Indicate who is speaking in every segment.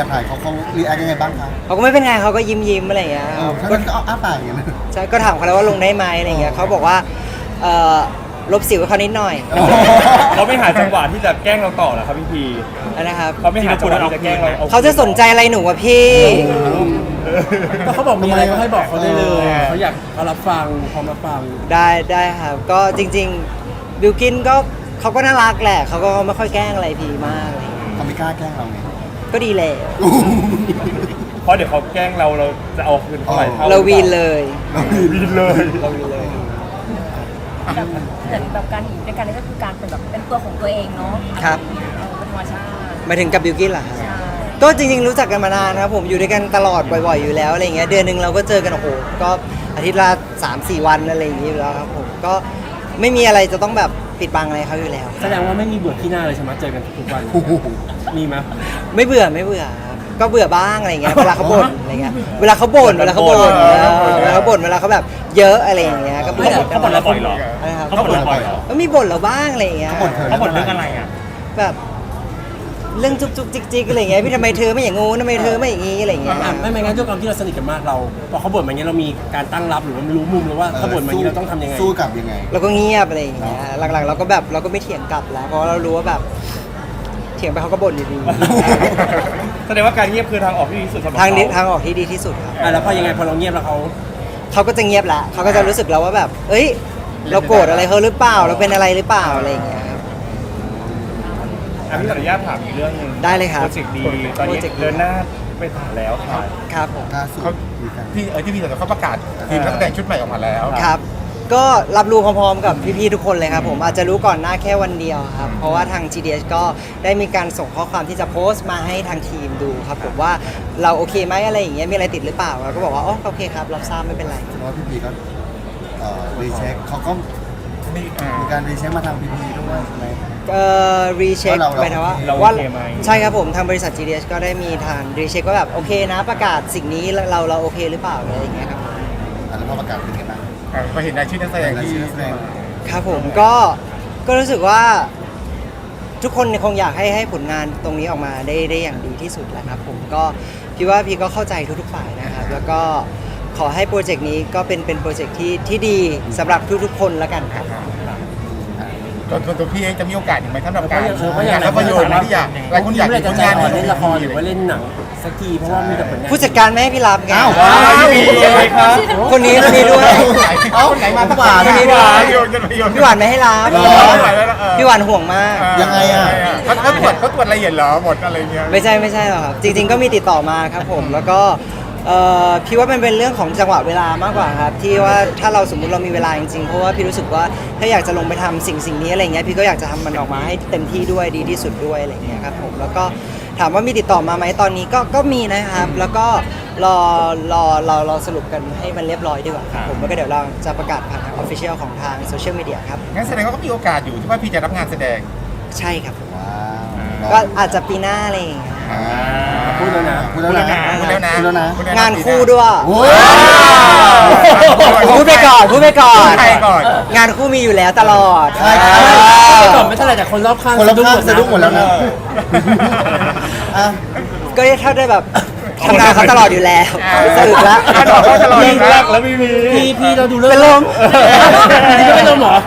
Speaker 1: ถ่ายเขารีแอคยังไงบ้างคะ
Speaker 2: เขาก็ไม่เป็นไงเขาก็ยิ้มอะไรอย่างเงี้ย
Speaker 1: ก็อ้าปากอย่างเงี้ยนะ
Speaker 2: ใช่ก็ถามเขาแล้วว่าลงได้ไหมอะไรอย่างเงี้ยเขาบอกว่าลบสิวให้เขานิดหน่อย
Speaker 3: เขาไม่หาจังหวะที่จะแกล้งเราต่อเหรอครับพี่พี
Speaker 2: นะครับ
Speaker 3: เขาไม่หาจังหวะที่จะแกล้งเรา
Speaker 2: เขาจะสนใจอะไรหนูวะพี่
Speaker 4: ก็เขาบอกมีอะไรก็ให้บอกเขาได้เลยเขาอยากเขารับฟังพร้อมรับฟัง
Speaker 2: ได้ครับก็จริงๆบิวกินก็เขาก็น่ารักแหละเขาก็ไม่ค่อยแกล้งอะไรพีมากอะไรอย่างเงี้ย
Speaker 1: เขาไม่กล้าแกล้งเราไง
Speaker 2: ก็ดีแล้ว
Speaker 3: เพราะเดี๋ยวเขาแกล้งเราจะเอาคืนเท่าไหร่เท่า
Speaker 2: เราวีนเลย
Speaker 3: วีนเลย
Speaker 2: เราวีนเลย
Speaker 5: แต่แบบการอยู่ด้วยกันนี่ก็คือการเป็นแบบเป็นตัวของตัวเองเนาะ
Speaker 2: ครับ
Speaker 5: เป็นธรรมชาติ
Speaker 2: หมายถึงกับบิวกินเหรอครับ
Speaker 5: ใช่
Speaker 2: ก็จริงๆรู้จักกันมานานนะครับผมอยู่ด้วยกันตลอดบ่อยๆอยู่แล้วอะไรเงี้ยเดือนหนึ่งเราก็เจอกันโอ้โหก็อาทิตย์ละ3-4 วันอะไรอย่างงี้อยู่แล้วครับผมก็ไม่มีอะไรจะต้องแบบปิดบังอะไรเขาอยู่แล้ว
Speaker 4: แสดงว่าไม่มีเบื่อที่หน้าเลยใช่ไหมเจอกันทุกวัน
Speaker 1: โอ้โห
Speaker 4: มีไหม
Speaker 2: ไม่เบื่อครับก็เบื่อบ้างอะไรเงี้ยเวลาเขาบ่นอะไรเงี้ยเวลาเขาบ่นเวลาเขาบ่นเวลาเขาแบบเยอะอะไรอย่างเงี้ยก็บ่น
Speaker 3: เขาบ่นเราบ่อยเหรอ
Speaker 2: นะครับ
Speaker 3: เขาบ่นเราบ่อยเหรอ
Speaker 2: ก็มีบ่นเราบ้างอะไรอย่างเงี้ย
Speaker 1: เขาบ่นเธอ
Speaker 3: เขาบ่นเรื่องอะไรอ่ะ
Speaker 2: แบบเรื่องจุกจุกจิกจิกอะไรเงี้ยพี่ทำไมเธอไม่อย่างงู้นทำไมเธอไม่อย่างงี้อะไรเงี้ย
Speaker 4: ไม่งั้นด้วยความที่เราสนิทกันมากเราพอเขาบ่นมาอย่างนี้เรามีการตั้งรับหรือว่ารู้มุมหรือว่าเขาบ่นมาอย่างนี้เราต้องทำยังไง
Speaker 1: สู้กลับยังไง
Speaker 2: เราก็เงียบอะไรอย่างเงี้ยหลังๆเราก็แบบเราก็ไม่เถียงกลับแล้วเพราะเรารู้ว่าแบบเถียงไปเขาก็บ่นอยู่ดี
Speaker 3: แสดงว่าการเงียบคือทางออกที่ดีที่สุดสำหรับ
Speaker 2: ทางนี้
Speaker 3: เข
Speaker 2: ทางออกที่ดีที่สุดครับ
Speaker 4: แล้วพอยังไงพอเราเงียบแล้วเขา
Speaker 2: เขาก็จะเงียบละเขาก็จะรู้สึกแล้วว่าแบบ เอ้ย เราโกรธอะไรเขาหรือเปล่า เราเป็นอะไรหรือเปล่าอะไรอย่างเงี้ยครับ
Speaker 3: พี่ขออนุญาตถามอีกเรื่องหนึง
Speaker 2: ได้เลยครับ
Speaker 3: โปรเจกต์ดีตอนนี้
Speaker 2: โปรเจกต์ดี
Speaker 3: เดินหน้าไปถ่ายแล้วค่ะ
Speaker 2: ครับผม
Speaker 1: ล่าสุดมีการ
Speaker 6: ที่พี่เขาประกาศทีมนักแสดงชุดใหม่ออกมาแล้ว
Speaker 2: ครับ ก็รับรู้พร้อมๆกับพี่ๆทุกคนเลยครับผมอาจจะรู้ก่อนหน้าแค่วันเดียวครับ เพราะว่าทาง GDS ก็ได้มีการส่งข้อความที่จะโพสต์มาให้ทางทีมดูครับผมว่าเราโอเคไหมอะไรอย่างเงี้ยมีอะไรติดหรือเปล่าเราก็บอกว่าอ๋อโอเคครับรับทราบไม่เป็นไร
Speaker 1: เพราะว่าพี่พีก็รีเช็คเขาก็มีการรีเช็คมาทางพีพีด้วยใช่ไหม
Speaker 2: รีเช็ค
Speaker 1: ว่าเรา
Speaker 2: หมายถึงว่า
Speaker 3: เรา
Speaker 2: ว่า
Speaker 3: โอเคไหม
Speaker 2: ใช่ครับผมทางบริษัท GDS ก็ได้มีทางรีเช็คว่าแบบโอเคนะประกาศสิ่งนี้เราโอเคหรือเปล่าอะไรอย่างเงี้ยครับ
Speaker 1: แล้วพอประกาศเป็นไงบ้าง
Speaker 6: พอเห็นรายชื่อนักแสดง
Speaker 1: ราย
Speaker 6: ที่
Speaker 1: ชื่อนักแสดง
Speaker 2: ครับผมก็รู้สึกว่าทุกคนคงอยากให้ผลงานตรงนี้ออกมาได้อย่างดีที่สุดแหละครับผมก็พี่ว่าพี่ก็เข้าใจทุกๆฝ่ายนะครับแล้วก็ขอให้โปรเจกต์นี้ก็เป็นโปรเจกต์ที่ดีสำหรับทุกๆคนแล้วกันครับ
Speaker 6: ตัวพี่เองจะมีโอกาสอยู่ไหมสำหรับการ
Speaker 4: เพราะอย่าง
Speaker 6: ภาพยนตร์ที่อยากหลายคนอยาก
Speaker 4: เมื่อไหร่
Speaker 6: เห็น
Speaker 4: จะ
Speaker 6: ผลงาน
Speaker 4: เล่นละครหรือว่าเล่นหนังสักทีเพราะว่ามีแต่ผลงาน
Speaker 2: ผู้จัดการไม่ให้พี่รับไง
Speaker 1: อ้าว
Speaker 3: พี่พีเลยครับ
Speaker 2: คนนี้ด้วย
Speaker 6: เอ้าคนไหนมา
Speaker 1: พี่หวาน
Speaker 2: คนนี้ด้วย
Speaker 6: พี่
Speaker 2: พี่หวานไม่ให้รับ พี่หวานห่วงมาก
Speaker 1: ยังไงอะ
Speaker 6: เขาตรวจละเอียดเหรอหมดอะไรเงี้ย
Speaker 2: ไม่ใช่หรอกครับ จริงๆก็มีติดต่อมาครับผม แล้วก็พี่ว่ามันเป็นเรื่องของจังหวะเวลามากกว่าครับ ที่ว่าถ้าเราสมมุติเรามีเวลาจริงๆเพราะว่าพี่รู้สึกว่าถ้าอยากจะลงไปทำสิ่งนี้อะไรเงี้ยพี่ก็อยากจะทำมันออกมาให้เต็มที่ด้วยดีที่สุดด้วยอะไรเงี้ยครับผมแล้วก็ถามว่ามีติดต่อมาไหมตอนนี้ก็มีนะครับ แล้วก็รอสรุปกันให้มันเรียบร้อยดีกว่าครับผมแล้วก็เดี๋ยวเราจะประกาศผ่านทางออฟฟิเชียลของทางโซเชียลมีเดียครับ
Speaker 6: งั้นแสดงว่าก็มีโอกาสอยู่ที่ว่าพี่จะรับงานแสดง
Speaker 2: ใช่ครับ
Speaker 1: ว้าว
Speaker 2: ก็อาจจะปีหน้าอะไรอย่างเงี้ย
Speaker 4: พูดแล้วนะ
Speaker 1: พูดแล้วนะ
Speaker 6: พูดแล้วนะ
Speaker 1: พูดแล้วนะ
Speaker 2: งานคู่ด้วย
Speaker 1: โอ้ย
Speaker 2: พูดไปก่อน
Speaker 6: ใครก่อน
Speaker 2: งานคู่มีอยู่แล้วตลอด
Speaker 1: ใช่ครับ
Speaker 4: ก่อนไม่เท่าไหร่แต่คนรอบข้าง
Speaker 1: คนรอบข้างสะดุ้งหมดแล้วนะอ่ะ
Speaker 2: ก็ถ้าได้แบบทำงานเขาตลอดอยู่แล้วสรุปแล้ว
Speaker 3: ยิงรักแล้วไม่มี
Speaker 4: พี่เราดูเรื่อง
Speaker 2: เป็นลม
Speaker 4: นี่ก็เป็นลมเหรอ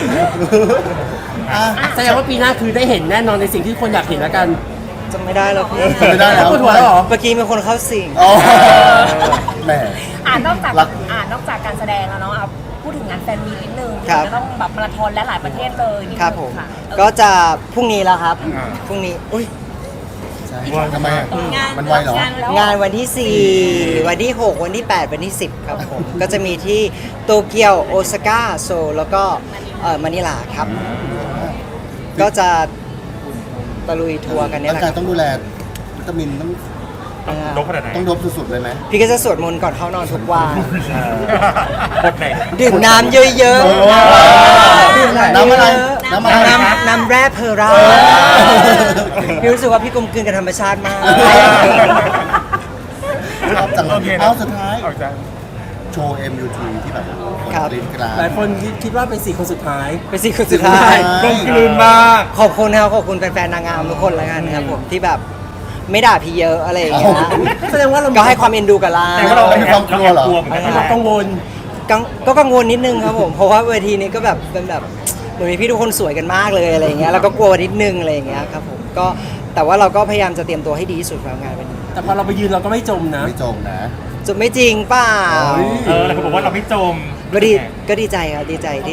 Speaker 1: อ่ะ
Speaker 4: แสดงว่าปีหน้าคือได้เห็นแน่นอนในสิ่งที่คนอยากเห็นแล้วกัน
Speaker 2: จำไม่ได้แล้วพี่
Speaker 1: จำไม่ได้แล้ว
Speaker 4: ปวดหัวแล้วเหรอ
Speaker 2: เมื่อกี้มีคนเข้าสิง
Speaker 1: อ๋อแหม
Speaker 5: นอกจาก
Speaker 1: รัก
Speaker 5: นอกจากการแสดงแล้วเนาะเอาพูดถึงงานแฟนมีตนิดนึง
Speaker 2: ครับ
Speaker 5: จะต้องแบบมาราธอนและหลายประเทศเลยนิดนึง
Speaker 2: ครับผม
Speaker 5: ค่ะ
Speaker 2: ก็จะพรุ่งนี้แล้วครับ พรุ่งนี้อุ้ย
Speaker 1: ใช่ทำไมอ่ะ
Speaker 5: งาน
Speaker 1: มันไวเหรอ
Speaker 5: แล้ว
Speaker 2: งานวันที่ 4 วันที่ 6 วันที่ 8 วันที่ 10 ครับผม ก็จะมีที่โตเกียวโอซาก้าโซลแล้วก็มะนิลาครับ ก็จะตะลุยทัวร์กันเนี่ย
Speaker 1: ร่าง
Speaker 2: แหละ
Speaker 1: กายต้องดูแลวิตามินต้อง
Speaker 3: ลบขนาดไหน
Speaker 1: ต้องดบสุดๆเลยไหม
Speaker 2: พี่ก็จะสวดมนต์ก่อนเข้านอนทุกวัน
Speaker 3: บทไหน
Speaker 2: ดื่มน้ำเยอะ
Speaker 1: โอ้
Speaker 2: ๆดื่ม
Speaker 1: น้ำอะไร
Speaker 2: น้ำ
Speaker 1: น้ำอะไร
Speaker 2: น้ำแร่เพอร่าพี่รู้สึกว่าพี่กลมกลืนกับธรรมชาติมาก
Speaker 1: ชอบจังเล
Speaker 6: โอเค
Speaker 1: ย
Speaker 6: นะ
Speaker 1: เอาสุดท้าย
Speaker 6: เอาใจ
Speaker 1: โชว์ MUT ที่แบบ
Speaker 2: ครับ
Speaker 1: ลิ้นกลาง
Speaker 4: หลายคนคิดว่าเป็น4คนสุดท้าย
Speaker 2: เป็นสิ่งสุดท้าย
Speaker 1: ใช่
Speaker 3: กลมกลืนมาก
Speaker 2: ขอบคุณนะครับขอบคุณแฟนๆนางงามทุกคนแล้วกันนะครับผมที่แบบไม่ด่าพี่เยอะอะไรอย่างเงี้ย
Speaker 4: แสดงว่าเรา
Speaker 2: ก็ให้ความเอ็นดูกับเรา
Speaker 3: แต่ว่าเรา
Speaker 1: มีความกลัวเหรอ
Speaker 3: เหมือนกัน
Speaker 4: เรากังวล
Speaker 2: ก็กังวลนิดนึงครับผม เพราะว่าเวทีนี้ก็แบบเป็นแบบเหมือนมีพี่ทุกคนสวยกันมากเลยอะไรอย่างเงี้ยแล้วก็กลัวนิดนึงอะไรอย่างเงี้ยครับผมก็แต่ว่าเราก็พยายามจะเตรียมตัวให้ดีที่สุดสำหรับงานวันนี้
Speaker 4: แต่พอเราไปยืนเราก็ไม่จมนะ
Speaker 1: ไม่จมนะ
Speaker 2: จะไม่จริงเปล่า
Speaker 3: หลายคนบอกว่าเราไม่จม
Speaker 2: ก็ดีใจครับดีใจที่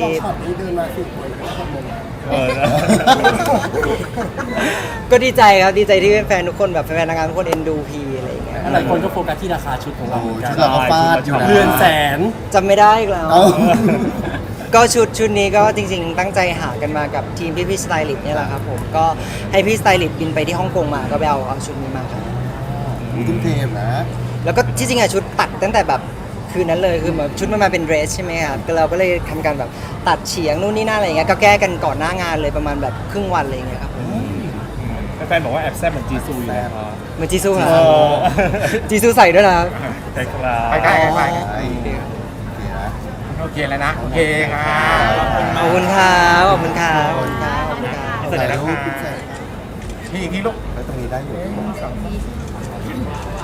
Speaker 3: เออ
Speaker 2: ก็ดีใจครับดีใจที่แฟนๆทุกคนแบบแฟนๆนางงามทุกคนเอ็นดูพีอะไรอย่างเงี้ย
Speaker 4: หลายคนก็โฟกัสที่ราคาชุดของเรา
Speaker 1: โอ้
Speaker 4: เหมือนกั
Speaker 1: ชุ
Speaker 4: น
Speaker 1: ดเราก็ฟาดอยู่นะ
Speaker 4: เรือนแสน
Speaker 2: จำไม่ได้อีกแล้ว
Speaker 1: เอ้า
Speaker 2: ก็ชุดนี้ก็จริงๆ ตั้งใจหากันมากับทีมพี่สไตลิสต์เนี่ยแหละครับผมก็ให้พี่สไตลิสต์บินไปที่ฮ่องกงมาก็ไปเอาชุดนี้มาครับ
Speaker 1: ทุ่มเทนะ
Speaker 2: แล้วก็ที่จริงอะชุดตัดตั้งแต่แบบคืนนั้นเลยคือแบบชุดมันมาเป็นเดรสใช่ไหมครับก็เราก็เลยทำการแบบตัดเฉียงนู่นนี่นั่นอะไรอย่างเงี้ยก็แก้กันก่อนหน้างานเลยประมาณแบบครึ่งวันอะไรอย่างเงี้ยครับ
Speaker 3: แฟนๆบอกว่าแอบแซ่บเหมือนจีซูอยู่นะครับ
Speaker 2: เหมือนจีซูเหรอ
Speaker 3: เอ
Speaker 2: ครับ
Speaker 3: อ
Speaker 2: จีซูใส่ด้วยนะครับ
Speaker 3: ใช่ครับ
Speaker 6: ไปได้ไป
Speaker 1: โอเคนะ
Speaker 6: โอเคแล้วนะ โอเคค่ะ
Speaker 2: ขอบคุณครับขอบคุณครับขอบคุณครับขอบคุณครับ
Speaker 3: เสร็จแล้วนะ
Speaker 1: ถ่ายรูป
Speaker 3: คะ
Speaker 1: เสร็จ
Speaker 6: นี่อีกทีลูก
Speaker 1: แล้วตรงนี้ได้อยู่